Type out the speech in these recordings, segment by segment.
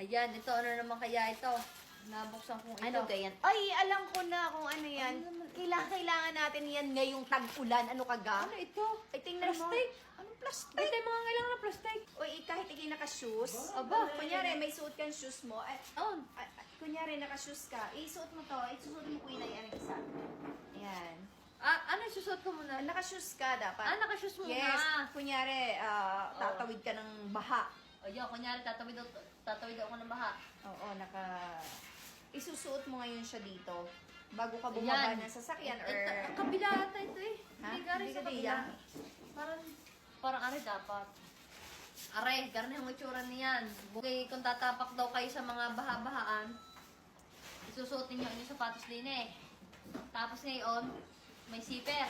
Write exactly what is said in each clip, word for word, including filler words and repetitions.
Ayan, ito ano naman kaya ito? Nabuksan kong ito. Ano ganyan? Ay, alam ko na kung ano yan. Kailangan, kailangan natin yan ngayong tag-ulan. Ano ka ga? Ano ito? Ay, tingnan mo. Plastic? Anong plastic? Ito yung mga kailangan na plastic. Uy, kahit ikay naka-shoes. Aba. Kunyari, may suot kang shoes mo. Ay, Oh. ay, ay, kunyari, naka-shoes ka. Isuot mo to. Isuot mo kuya na yan ang isa. Ayan. Ah, ano yung susot ko muna? Naka-shoes ka dapat. Ah, naka-shoes muna. Yes. Kunyari, ah, tatawid ka ng baha. O yun, kunyari tatawid, ako- tatawid ako ng baha. Oo, naka... Isusuot mo ngayon siya dito. Bago ka bumaba Ayan. ng sasakyan or... Ito, ang kabila ata ito eh. Ha? Hindi ka rin Hindi sa ka kabila. diyan? Parang, parang are dapat. Are, ganun yung itsura niyan. Bukay, kung tatapak daw kayo sa mga baha-bahaan, isusuotin nyo yung sapatos din eh. Tapos ngayon, may zipper.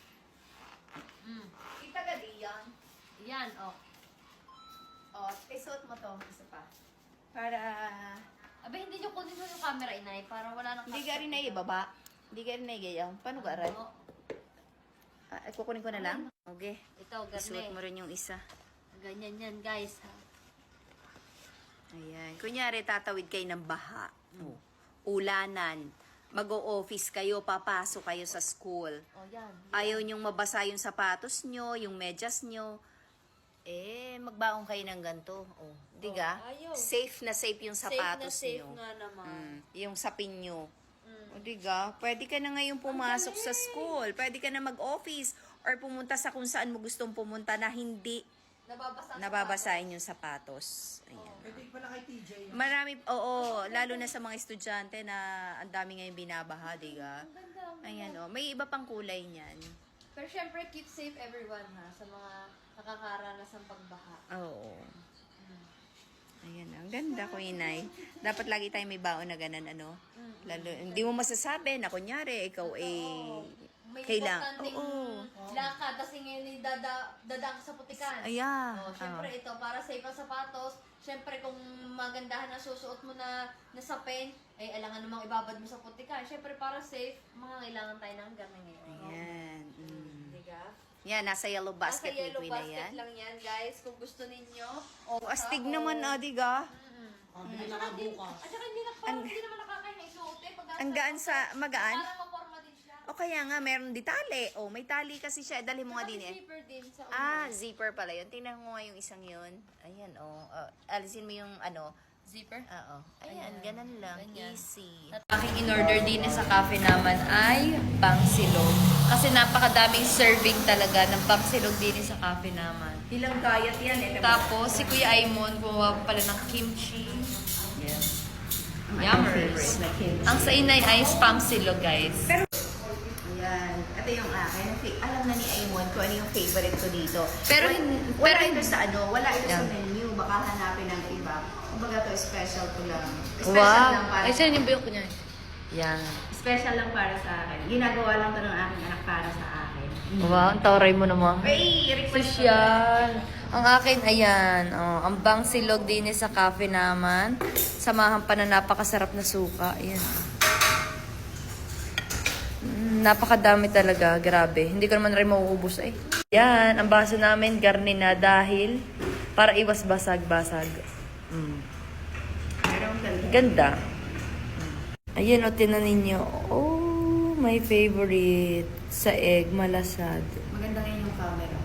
Mm. Kita ka di yan. Yan, oh. O, isuot mo to. Isa pa. Para... Abe, hindi nyo kunin mo yung camera, inay, para wala nang... Hindi ka rin na ibaba. Hindi ka rin na igayaw. Paano ka rin? Oo. Ah, kukunin ko na lang? Okay. Ito, Isuot ganun mo rin yung isa. Ganyan yan, guys. Ha? Ayan. Kunyari, tatawid kayo ng baha. Oh. Ulanan. Mag-o-office kayo, papasok kayo sa school. Oh, yan. Ayaw nyong mabasa yung sapatos nyo, yung medyas nyo. Eh, magbaong kayo ng ganito. Oh, di ga? Oh, ayaw. Safe na safe yung sapatos safe na safe nyo. nga naman. Mm, yung sapin nyo. Mm. O, di ga? Pwede ka na ngayon pumasok sa school. Pwede ka na mag-office or pumunta sa kung saan mo gustong pumunta na hindi Nababasa. nababasahin yung sapatos. Ayan. Pwede pala kay T J. Marami, oo, lalo na sa mga estudyante na ang dami ngayon binabaha, di ga? Ang ganda. ang ganda. Ayan, oh. May iba pang kulay niyan. Pero syempre, keep safe everyone ha, sa mga nakakaranas ng pagbaha. Oo. Ayan, ang ganda ko, inay. Dapat lagi tayo may baon na ganun, ano? Lalo, hindi mo masasabi na kunyari, ikaw eh, May kailangan. importanteng Oo. lakad, kasi ngayon ay dada, dadaan ka sa putikan. Ayan. Oh, syempre ito, para safe ang sapatos. Syempre kung magandahan ang susuot mo na, na sapin, ay alangan namang ibabad mo sa putikan. Syempre para safe, mga kailangan tayo ng gamit ngayon. Ayan. Mm. Diga? Yan, nasa yellow basket Nasa yellow ni Queen na basket yan. lang yan, guys. Kung gusto ninyo. Oh, astig naman, ah, di ga? Mm. Ah, bili na nga bukas. At saka hindi, na, parang hindi naman nakakain na isuot eh. Pag Ang gaan sa, magaan? Parang maporma din siya. O kaya nga, meron di tali. Oh, may tali kasi siya. Dali mo nga din eh. Zipper din sa Ah, zipper pala yun. Tingnan mo nga yung isang yun. Ayan, oh. Uh, alisin mo yung ano. zipper. Oo. Ayan, ganun lang. Ganyan. Easy. At aking in-order din sa cafe naman ay pangsilog. Kasi napakadaming serving talaga ng pangsilog din sa cafe naman. Ilang kayat yan eh. Tapos, si Kuya Aimon gumawa pala ng kimchi. Yeah. Yummers. Ang sa inay ay spam silog, guys. Pero, ayan. Ito yung akin. Alam na ni Aimon kung ano yung favorite ko dito. Pero wala, hin- wala pero ito hin- sa ano. Wala ito sa Yeah. menu. Baka hanapin ng iba. Kumbaga to special ko lang. Special lang para Ay, saan yung biyok niya? Yan. Special lang para sa akin. Ginagawa lang to ng aking anak para sa akin. Wow, ang tawaray mo naman. Ay, request ko. Sosyal. Ang akin, ayan. Oh, ang bang silog din sa cafe naman. Samahan pa na napakasarap na suka. Ayan. Mm, napakadami talaga. Grabe. Hindi ko naman rin mauubos eh. Yan. Ang baso namin, garni na dahil para iwas basag-basag. Mm. Pero ang ganda. Ganda. Ayan o, tinan ninyo. Oh, my favorite. Sa egg, malasad. Maganda ngayon yung camera.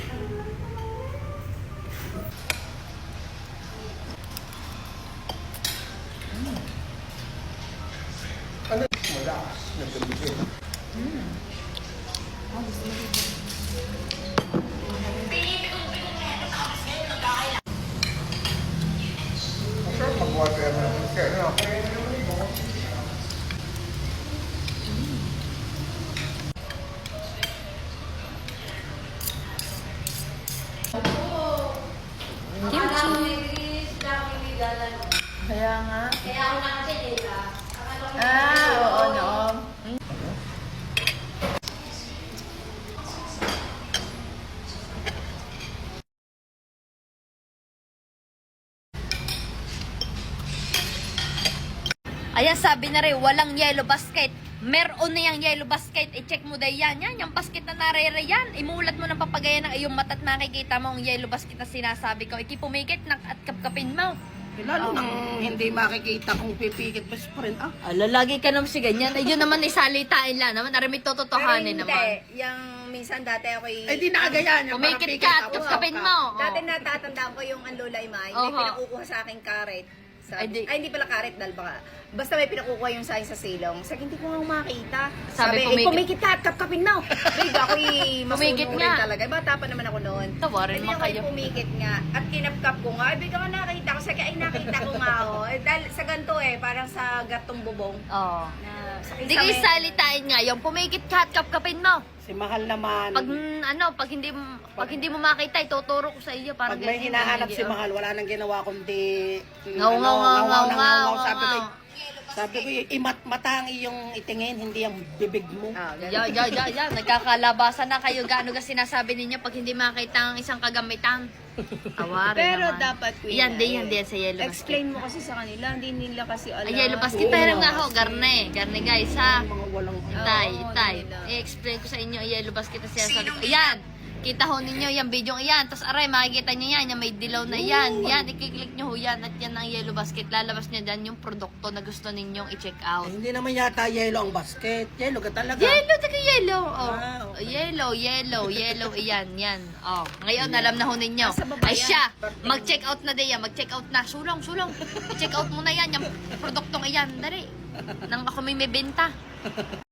Ano? Wala. Nagkabigay. Masarap mag-water na. Kaya na. Kimchi. Kaya nga. Ah, oo, no. Ayan, sabi na rin, walang yellow basket. Meron na yung yellow basket. I-check mo day yan. Yan, yung basket na narere yan. Imulat mo ng papagaya ng iyong mata at makikita mo ang yellow basket na sinasabi ko. Ikipumikit nak at kapkapin mo. Eh, lalo nang hindi makikita kung pipikit best friend. Ah, Ala, lagi ka naman si ganyan. Ay, yun naman isalitain lang naman. Aramid tototohanin Pero naman. hindi. Yung minsan dati ako'y... eh di nakagayan. yung parang Pumikit pikit ka at ako. kapkapin mo. Dati Oh. natatandaan ko yung ang lola Imay, Oho. may pinakukuha sa aking karet. Ay, Sabi, di- ay, hindi pala karet, dal baka. Basta may pinakukuha yung sa akin sa silong. Sabi, hindi ko nga makita. Sabi, Sabi, eh, pumikit- pumikit ka at kapkapin mo. Big, ako'y Pumikit masunurin nga. talaga. Bata pa naman ako noon. Tawarin Hindi mo ako'y kayo. pumikit nga. At kinapkap ko nga. Ay, bigla ko nakita ko. Sabi, ay nakita ko nga ako. Eh, dahil sa ganito eh, parang sa gatong bubong. Oo. Na, sa Hindi kayo salitain nga. Yung pumikit ka at kapkapin mo. Si Mahal naman. Pag mm, ano, pag hindi mo- pag hindi mo makita, ituturo ko sa iyo parang Pag may ganyan, hinahanap ganyan, si oh. Mahal, wala nang ginawa kundi mm, Ngaw, ngaw, ngaw, ngaw, ngaw, na ngaw, Sabi ko, ngaw. sabi ko, imat matangi yung itingin, hindi yung bibig mo. Ah, ganun. Ya, ya, ya, ya, nagkakalabasan na kayo. Gaano ka sinasabi ninyo pag hindi makita ang isang kagamitan? Awari Pero naman. dapat, Queen, Yan, di, ay, yan, di, yan sa yellow basket. explain mo kasi sa kanila, hindi nila kasi alam. Ay, yellow basket. Oo, Pahiram nga ho, kasi- garne. Garne guys, ha? Mga walang... Itay, Oo, itay. nila. I-explain ko sa inyo ang yellow basket na sinasabi ko. Ayan! Kita ho ninyo yung video yan. Tapos aray, makikita nyo yan. Yung may dilaw na yan. Yan, i-click nyo ho yan. At yan ang yellow basket. Lalabas nyo dyan yung produkto na gusto ninyong i-check out. Eh, hindi naman yata yellow ang basket. Yellow ka talaga. Yellow, taga yellow. Oh. Ah, okay. Yellow, yellow, yellow. Ayan, yan. Oh. Ngayon, alam na ho ninyo. Nasa baba Ay yan. siya, mag-check out na din yan. Mag-check out na. Sulong, sulong. I-check out mo na yan. Yung produktong iyan. Dari. Nang ako may may benta.